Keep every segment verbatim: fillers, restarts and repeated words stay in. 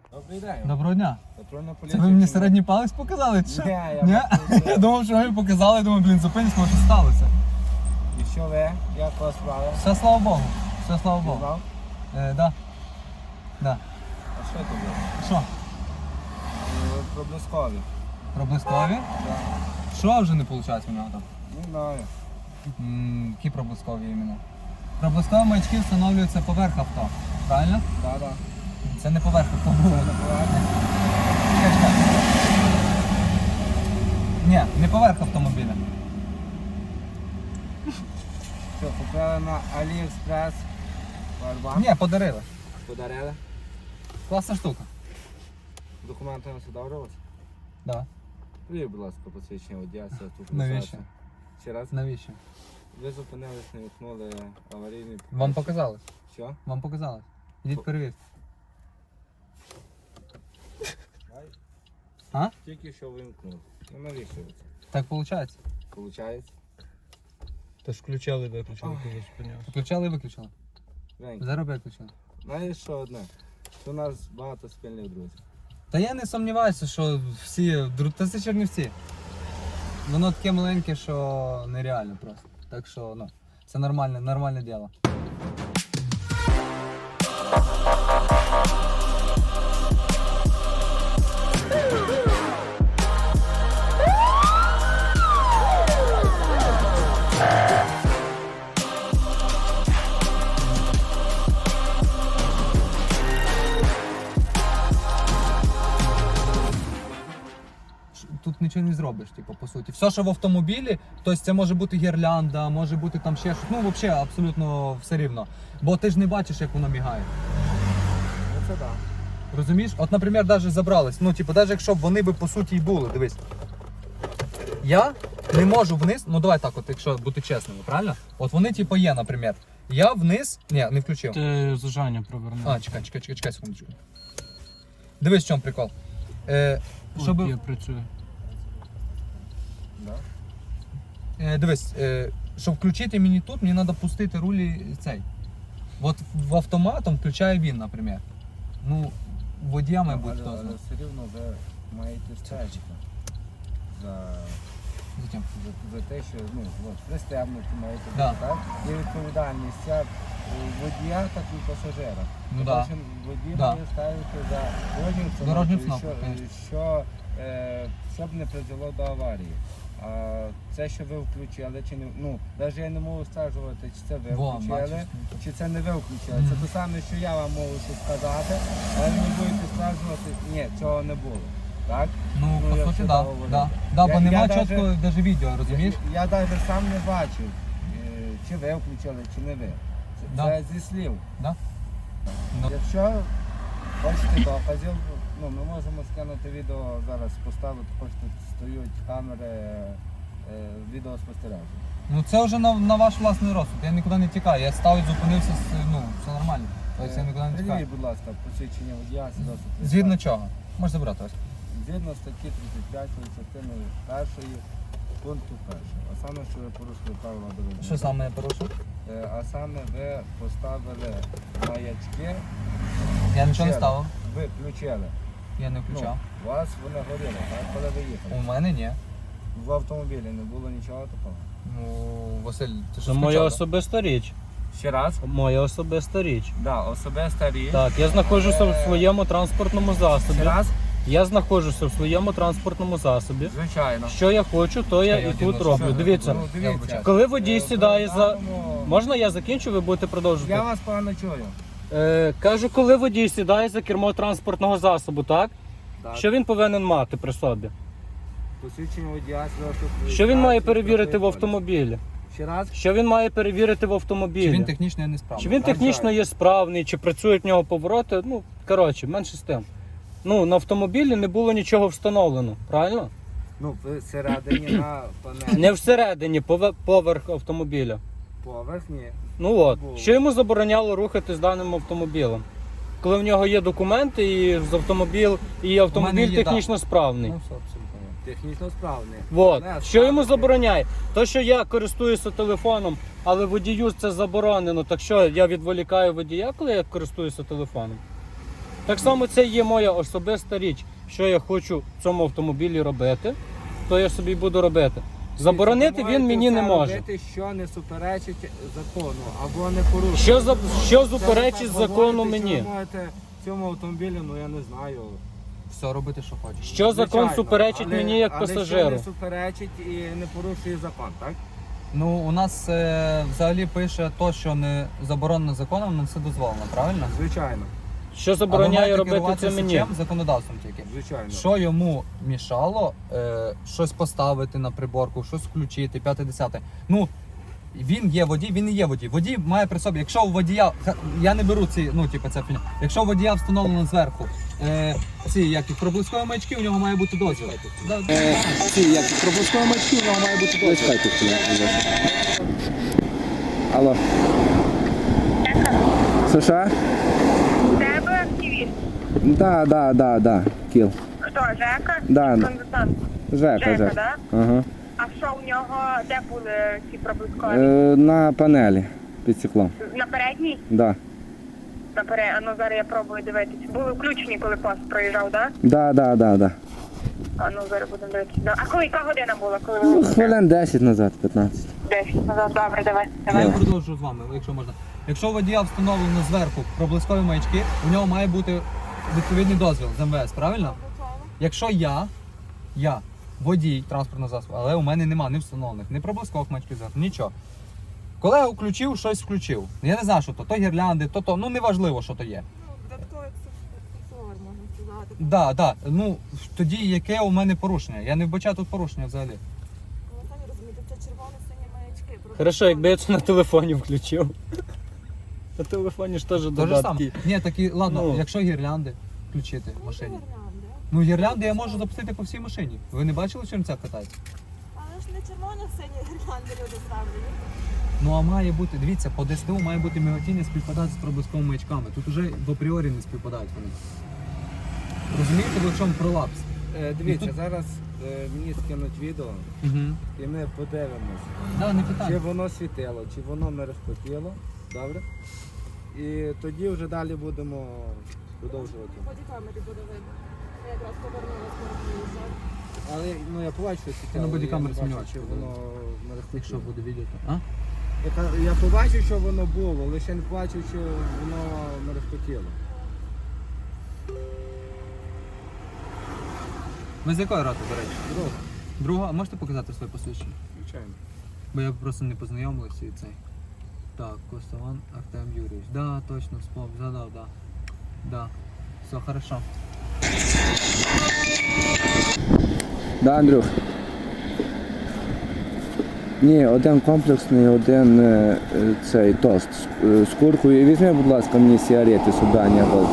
Добрий день. Доброго дня. Патрульна Це поліція. ви мені чи середній палець показали? Чи що? Ні, я Ні? просто- Я думав, що ви мені показали, думаю, блін, зупинись, може що сталося. ні? І що ви? Як вас справа? Все, слава Богу. Все, слава Богу. Знав? Е, да. Да. А що тобі? Що? Е, Проблискові. Проблискові? Так. Що вже не виходить у нього там? Не знаю. М, Які проблискові іменно? Проблискові маячки встановлюються поверх авто. Правильно? Так, так. Це не поверх авто. Це не поверхня. Чекай, чекай. Ні, не поверх автомобіля. Що, купили на Aliexpress? Powerbank? Ні, подарили. Подарили? Класна штука. Документи на сюди у вас? Да. Привів, будь ласка, посвідчення водія, тут. Навіщо? Ще раз. Навіщо? Ви зупинились, не вікнули аварійний. Вам показалось? Що? Вам показалось. Ідіть перевірте. А? Тільки що вимкнув. Ну навіщо ви це? Так виходить. Получається? Та ж включали, виключили, Ой. коли зупинявся. Включали і виключили. Женька, Зараз виключили. знаєш що одне? Що у нас багато спільних друзів. Та я не сумніваюся, що всі. дру- Та це Чернівці. Воно таке маленьке, що нереально просто. Так що, ну, це нормальне, нормальне діло. Тут нічого не зробиш, типу, по суті. Все, що в автомобілі, тобто це може бути гірлянда, може бути там ще щось. Ну, взагалі, абсолютно все рівно. Бо ти ж не бачиш, як воно мігає. Ну це так. Розумієш? От, наприклад, навіть забрались. Ну, типу, навіть якщо б вони би по суті і були, дивись. Я не можу вниз, ну давай так, от, якщо бути чесними, правильно? От вони, типу, є, наприклад. Я вниз. Ні, не включив. Ти зажання провернув. А, чекай, чекай, чекай, чекай секундочку. Дивись, в чому прикол. Е, щоб... От я працюю. Да? Е, дивись, е, щоб включити мені тут, мені треба пустити рулі цей. От в автоматом включає він, наприклад. Ну, водія, мабуть, але, хто але знає. все рівно ви маєте стежити за, Затім. за, за те, що ну, от, пристебнути маєте бути, Да. так? Є відповідальність як у водія, так і у пасажира. Ну да. Кожен водій Да. має ставити за дорожню Дорожню встановку, встановку, що, конечно. що, е, щоб не призвело до аварії. А це, що ви включили, чи не ну, навіть я не можу стверджувати, чи це ви Во, включили, бачиш, ну, чи це не ви включили. Мгм. Це те саме, що я вам можу це сказати, але ви не будете стверджувати, ні, цього не було. Так? Ну, Ну, по я суті, все да. говорю. Да. Да, бо Я- нема я чітко даже- навіть відео, розумієш? Я навіть сам не бачив, е, чи ви включили, чи не ви. Це, Да. це зі слів. Да? Ну. Якщо хочете доказів, ну, ми можемо скинути відео зараз поставити, хочете стоять камери е, відеоспостереження. Ну це вже на, на ваш власний розсуд. Я нікуди не тікаю. Я став і зупинився, с- ну, все нормально. Тобто я нікуди не тікаю. Придивіть, будь ласка, посвідчення водія, свідоцтво про Згідно реєстрацію. чого? Можеш забрати ось. Згідно статті тридцять п'ять частини першої пункту першого. А саме, що ви порушили правила дорожнього Що руху. саме я порушив? Е, А саме ви поставили маячки. Я нічого не включили. ставив. Ви включили. Я не Ну, включав. у вас вони горіли, так? Коли ви їхали. У мене ні. В автомобілі не було нічого такого. Ну, Василь, ти що Це моя скачав, особиста річ. Ще раз? Моя особиста річ. Да, особиста річ. Так, я знаходжуся в своєму транспортному засобі. Ще раз? Я знаходжуся в своєму транспортному засобі. Звичайно. Що я хочу, то я Чекай, і я тут одягну, роблю. Що? Дивіться, Ну, Я дивіться. вибачаю. коли водій Е, сідає в за. даному- Можна я закінчу, ви будете продовжувати? Я вас погано чую. Е, кажу, коли водій сідає за кермо транспортного засобу, так? Так. Що він повинен мати при собі? Посвідчення водія, свідоцтво Що він має про перевірити в реєстрацію. автомобілі? Ще раз? Що він має перевірити в автомобілі? Чи він технічно не справний? Чи він Так, технічно так. є справний, чи працюють в нього повороти? Ну, коротше, менше з тим. Ну, на автомобілі не було нічого встановлено, правильно? Ну, всередині на панелі. Не всередині, пове- поверх автомобіля. Поверхні. Ну от, Було. що йому забороняло рухатись даним автомобілем? Коли в нього є документи, і з автомобіль, і автомобіль є, технічно справний. Ну, все, абсолютно. Технічно справний. От. Не, Що йому справний. забороняє? То, що я користуюся телефоном, але водію це заборонено, так що я відволікаю водія, коли я користуюся телефоном? Так само це є моя особиста річ, що я хочу в цьому автомобілі робити, то я собі буду робити. Заборонити Ви він можете мені не все може. робити, що не суперечить закону або не порушує. Що, за, що Це ви суперечить так закону говорите, що мені? Ви можете в цьому автомобілі, ну я не знаю. Все робити, що хочеш. Що закон Звичайно, суперечить але- мені як але що пасажиру? не суперечить і не порушує закон, так? Ну, у нас е, взагалі пише то, що не заборонено законом, але все дозволено, правильно? Звичайно, Що А ви забороняє маєте робити керуватися це мені? чим? Законодавством тільки. звичайно. Що йому мішало е, щось поставити на приборку, щось включити, п'яте-десяте. Ну, він є водій, він не є водій. Водій має при собі, якщо у водія, ха- я не беру ці, ну, типу, це фігня. Якщо у водія встановлено зверху е, ці, як і проблискові маячки, у нього має бути дозвіл. Да, е, ці, як і проблискові маячки, у нього має бути дозвіл. Алло. Що що? Тебе активіст. Да, да, да, да. Кіл. Хто, Жека? Да. Консультант. Жека, Жека, Жека. да? Ага. А що у нього, де були ці проблискові? Е, на панелі під стеклом. На передній? Да. На пере... А ну зараз я пробую дивитися. Були включені, коли пост проїжджав, да? Да, да, да, да. А ну зараз будемо дивитися. Да. А коли яка година була? Коли Ну, ви хвилин десять назад, п'ятнадцять. десять назад? Добре, давай. Я давай. продовжу з вами, якщо можна. Якщо у водія встановлено зверху проблискові маячки, у нього має бути відповідний дозвіл з МВС, правильно? Якщо я, я водій транспортного засобу, але у мене нема ні встановлених, ні проблискових маячків зверху, нічого. Колега включив, щось включив. Я не знаю, що то, то гірлянди, то то, ну неважливо, що то є. Додатковий аксесуар, можна сказати. Да, да. Ну тоді яке у мене порушення? Я не вбачаю тут порушення взагалі. Ви самі розумієте, це червоно-сині маячки. Просто Хорошо, якби я це на телефоні включив. На телефоні ж теж То же саме. додатки. Ні, такі, ладно, Ну. якщо гірлянди включити в Ну, машині. гірлянди. Ну гірлянди я можу запустити по всій машині. Ви не бачили, чим це катається? Але ж не червоно-сині гірлянди люди ставлять. Ну а має бути, дивіться, по ДСТУ має бути міготіння співпадати з проблисковими маячками. Тут уже в апріорі не співпадають вони. Розумієте, в чому пролапс? Е, дивіться, Ну, тут- зараз е, мені скинуть відео Угу. і ми подивимось, Да, не чи питання. воно світило, чи воно мерехтіло. Добре? І тоді вже далі будемо продовжувати. По бодікамері буде видно. Я якраз повернулась перед виїжджати. Але ну я побачу, що світило. на бодікамері я не бачу, знімаєш, чи коли- воно Якщо мерехтіло. буде відео, то. А? Я, ка- я побачив, що воно було, лише не побачив, що воно мерехтіло. Ви з якої роти, до речі? Друг, Друга, а можете показати своє посвідчення? звичайно. Бо я просто не познайомився і цей. Так, Костован Артем Юрійович. Да, точно, вспомнив, згадав, да. Да. Все, хорошо. Да, Андрюх. Ні, один комплексний, один е, е, цей тост з, е, з куркою. І візьми, будь ласка, мені сигарети сюди, а не голод.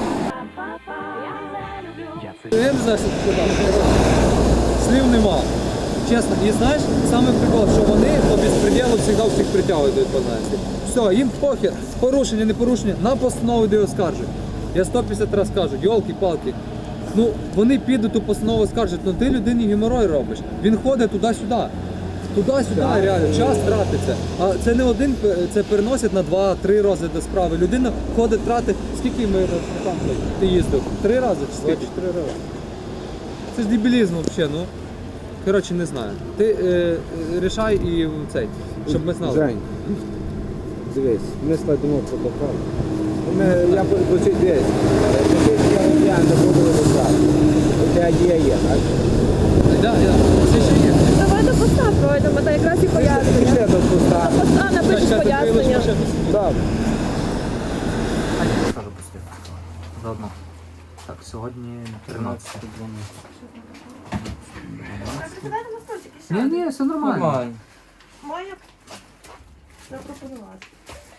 Я не знаю, що ти сказав. Слів нема. Чесно. І знаєш, саме прикол, що вони по безпреділу завжди всіх притягують до відповідальності. Все, їм похер, порушення, не порушення, на постанову де оскаржують. Я сто п'ятдесят разів кажу, йолки-палки. Ну, вони підуть ту постанову скаржать, ну ти людині геморой робиш. Він ходить туди-сюди. Туди-сюди, реально, час тратиться. А це не один, це переносять на два-три розгляди справи. Людина ходить, тратить. Скільки ми там ти їздив? Три рази чи скільки? Три рази. Це ж дебілізм взагалі, ну. Коротше, не знаю. Ти е, е, рішай і цей, щоб ми знали. Жень, дивись, ми складемо протокол. Ми, я почуть дивись. Я, я не буду вирішати. Оця дія є, так? Да, да. Це ще є. Давай до поста пройдемо, та якраз і Пішли пояснення. до куста. Поста напишеш пояснення. Добре. Я скажу пустити. Заодно. Так, сьогодні тринадцяте. Ні, ні, все нормально. Моя запропонувати.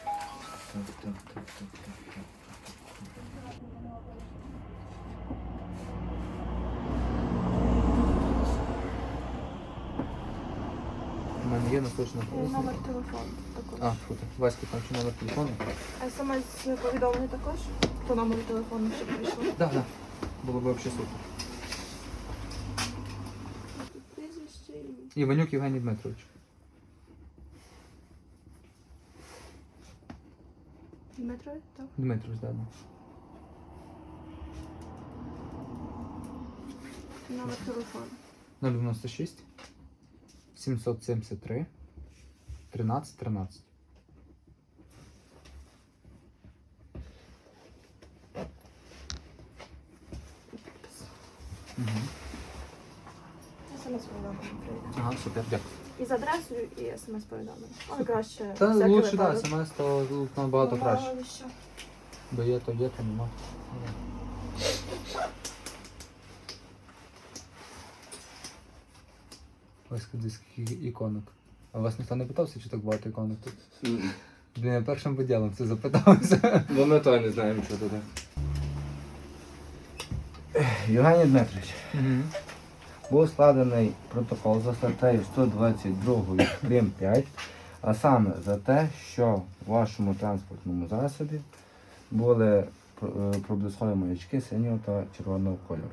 У мене є наслушна. Номер телефону також. А, фу, Васька, там чи номер телефону? СМС-повідомлення також по номеру телефону, щоб прийшло. Так, так. Було б взагалі супер. Прізвище і... Іванюк Євгеній Дмитрович. Дмитро, так? Дмитрович, так. Да. Номер телефону. нуль дев'яносто шість сімсот сімдесят три тринадцять тринадцять. Угу. Смс-повідомлення прийде. Ага, супер, дякую. І з адресою, і смс-повідомлення. Але краще. Та всякий лучше, да, випадок. смс, то тут набагато Ну, краще. мало ли що. Бо є, то є, то нема. Ось куди скільки іконок. А вас ніхто не питався, чи так багато іконок тут? Блін, я першим виділом це запитався. Бо ми то не знаємо, що туди. Євгеній Дмитрович, був складений протокол за статтею сто двадцять два прим. п'ять, а саме за те, що в вашому транспортному засобі були проблискові маячки синього та червоного кольору.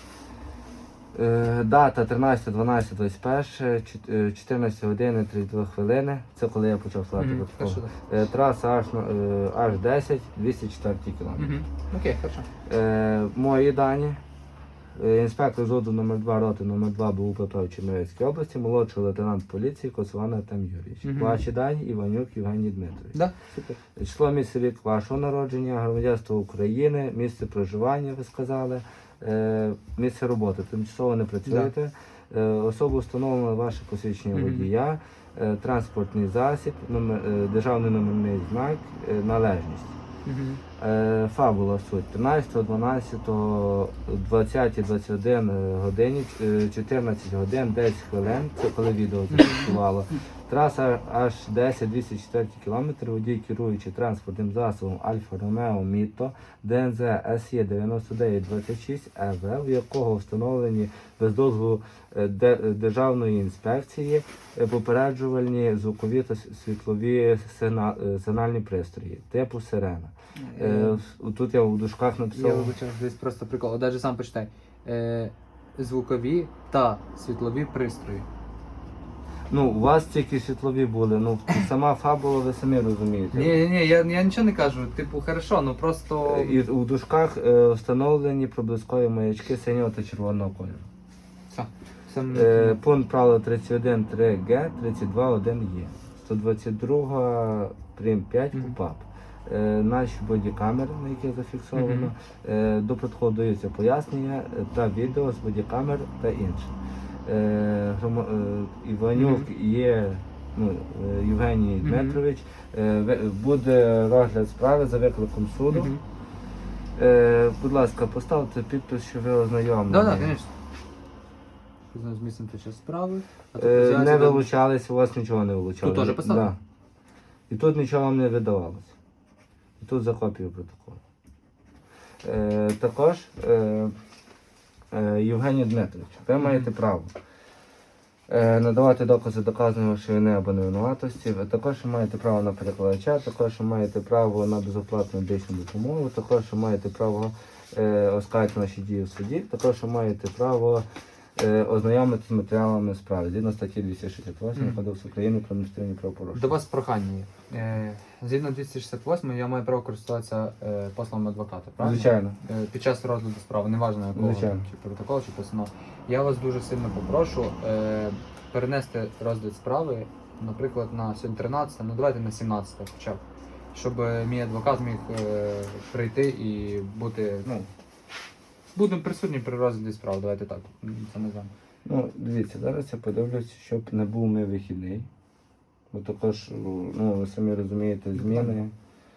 Е, Дата тринадцяте дванадцяте двадцять перше, чотирнадцята година тридцять дві хвилини. Це коли я почав складати Мгм, протокол. хорошо, Е, Траса аж, е, аж десять, двісті чотири кілометр. Угу. Окей, хорошо. Е, Мої дані. Е, Інспектор ЗОДу номер два роти номер два БУ ПП в Чернівецькій області, молодший лейтенант поліції Коцван Артем Юрійович. Мгм. Ваші дані Іванюк Євгеній Дмитрович. Да, супер. Число, місце, рік вашого народження, громадянство України, місце проживання, ви сказали, е, місце роботи. Тимчасово не працюєте. Е, Особу встановлено ваше посвідчення Мгм. водія, е, транспортний засіб, номер, е, державний номерний знак, е, належність. Угу. Е, Фабула суть. тринадцятого дванадцятого двадцята двадцять один годині, е, чотирнадцять годин, десять хвилин, це коли відео зафіксувало. Траса аж десять двісті чотири кілометри, водій керуючи транспортним засобом Альфа Ромео Міто ДНЗ С Е дев'яносто дев'ять двадцять шість Е В, в якого встановлені без дозволу е, Де- Державної інспекції е, попереджувальні звукові та с- світлові сигна- е, сигнальні пристрої типу сирена. Е, в- Тут я в дужках Я написав. вибачаю, десь просто прикол. Даже сам почитай. Е, звукові та світлові пристрої. Ну, у вас тільки світлові були, ну сама фабула, ви самі розумієте. Ні, ні, ні, я, я нічого не кажу. Типу, хорошо, ну просто. Е, І у дужках е, встановлені проблискові маячки синього та червоного кольору. Все. Все м- Е, Пункт правила тридцять один три Г, тридцять два один Є. сто двадцять два прим. п'ять Мгм. КУПАП. Е, Наші бодікамери, на яких зафіксовано. Мгм. Е, До протоколу даються пояснення е, та відео з бодікамер та інше. Е, грома- е, Іванюк є, ну, е, Євгеній Мгм. Дмитрович. Е, ви- Буде розгляд справи за викликом суду. Мгм. Е, Будь ласка, поставте підпис, що ви ознайомлені. Да, да, звісно. З місцем під час справи. А Е, взяти Не до- вилучались, у вас нічого не вилучалося. Тут теж поставили? Да. І тут нічого вам не видавалося. І тут за копію протоколу. Е, також, е, е, Євгеній Дмитрович, ви маєте право е, надавати докази доказаної вашої вини або невинуватості. Ви також маєте право на перекладача, також маєте право на безоплатну медичну допомогу, також маєте право е, оскаржити наші дії в суді, також маєте право е, ознайомитися з матеріалами справи згідно статті двісті шістдесят вісім Мгм. Кодексу України про адміністративні правопорушення. До вас прохання є. Е, згідно двісті шістдесят восьмої я маю право користуватися е, послом адвоката, правильно? Звичайно. Е, Під час розгляду справи, неважно якого, Звичайно. чи протокол, чи постанова. Я вас дуже сильно попрошу е, перенести розгляд справи, наприклад, на сьогодні тринадцяте, ну давайте на сімнадцяте хоча б. Щоб е, мій адвокат міг е, прийти і бути, ну, бути присутнім при розгляді справи, давайте так, це не знаю. Ну, дивіться, зараз я подивлюсь, щоб не був ми вихідний. Бо також, ну, ви самі розумієте, зміни.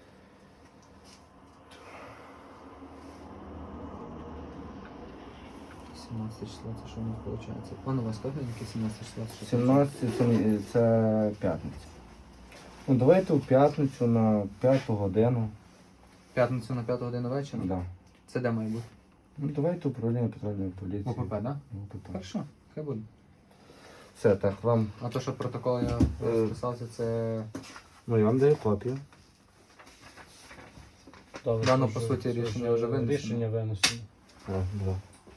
сімнадцяте число, це що у нас виходить? Пане Васько, яке сімнадцяте число? Це що? сімнадцяте це, це п'ятниця. Ну, давайте у п'ятницю на п'яту годину. П'ятницю на п'яту годину вечора? Да. Це де має бути? Ну, давайте управління патрульної поліції. ОПП, так? Да? ОПП. Хорошо, хай буде. Все, так, вам. А то, що протокол я Е. розписався, це Ну, я вам даю копію. Добре, Дано, що по ж- суті, що рішення ж вже винесено. Рішення винесено. О, да.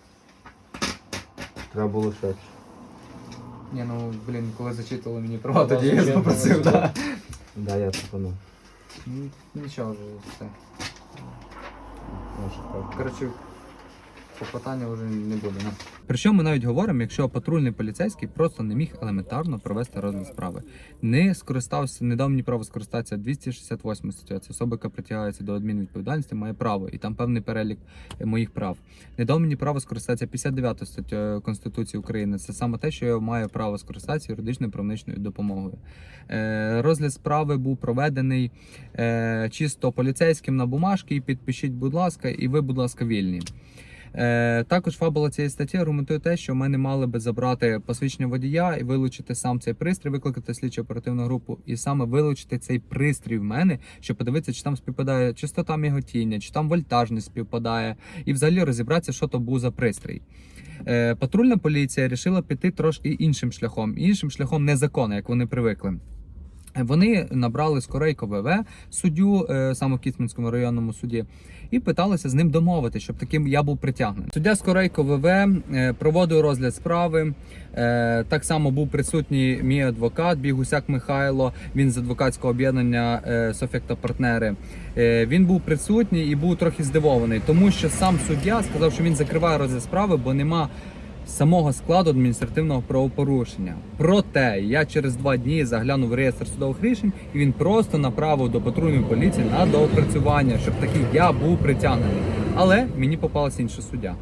Треба було швидше. Ні, ну, блін, коли зачитували мені права, Вас тоді я зачитували, попросив, так. так. Да, я пропоную. Нічого вже, все. Наша копія. Коротше, Попитання вже не буде. Не? Про що ми навіть говоримо, якщо патрульний поліцейський просто не міг елементарно провести розгляд справи. Не скористався, не дав мені право скористатися двісті шістдесят восьма стаття. Це особа, яка притягається до адмінвідповідальності, має право, і там певний перелік моїх прав. Не дав мені право скористатися п'ятдесят дев'ятою статтею Конституції України. Це саме те, що я маю право скористатися юридичною правничною допомогою. Е, розгляд справи був проведений е, чисто поліцейським на бумажки, і підпишіть, будь ласка, і ви, будь ласка, вільні. Е, також фабула цієї статті аргументує те, що ми не мали би забрати посвідчення водія і вилучити сам цей пристрій, викликати слідчу оперативну групу і саме вилучити цей пристрій в мене, щоб подивитися, чи там співпадає частота міготіння, чи там вольтажність співпадає, і взагалі розібратися, що то був за пристрій. Е, патрульна поліція вирішила піти трошки іншим шляхом, іншим шляхом незаконно, як вони привикли. Вони набрали Скорейко ВВ, суддю е, саме в Кіцманському районному суді, і питалися з ним домовити, щоб таким я був притягнений. Суддя Скорейко ВВ е, проводив розгляд справи. Е, так само був присутній мій адвокат Бігусяк Михайло. Він з адвокатського об'єднання е, Софек та партнери. Е, він був присутній і був трохи здивований, тому що сам суддя сказав, що він закриває розгляд справи, бо нема самого складу адміністративного правопорушення. Проте я через два дні заглянув в реєстр судових рішень, і він просто направив до патрульної поліції на доопрацювання, щоб такий я був притягнений. Але мені попалася інша суддя.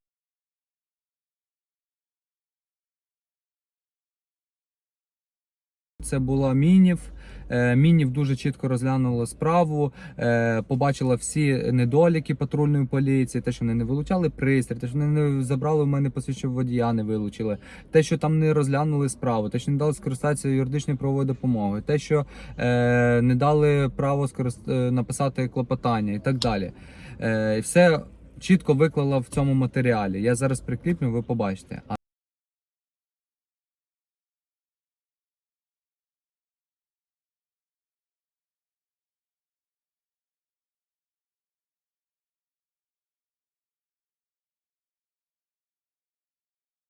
Це була Мінів. Мінів дуже чітко розглянула справу, побачила всі недоліки патрульної поліції, те, що вони не вилучали пристрій, те, що вони не забрали в мене посвідчення водія, не вилучили, те, що там не розглянули справу, те, що не дали скористатися юридичною правовою допомогою, те, що е, не дали право скорист... написати клопотання і так далі. Е, все чітко виклала в цьому матеріалі. Я зараз прикріплю, ви побачите.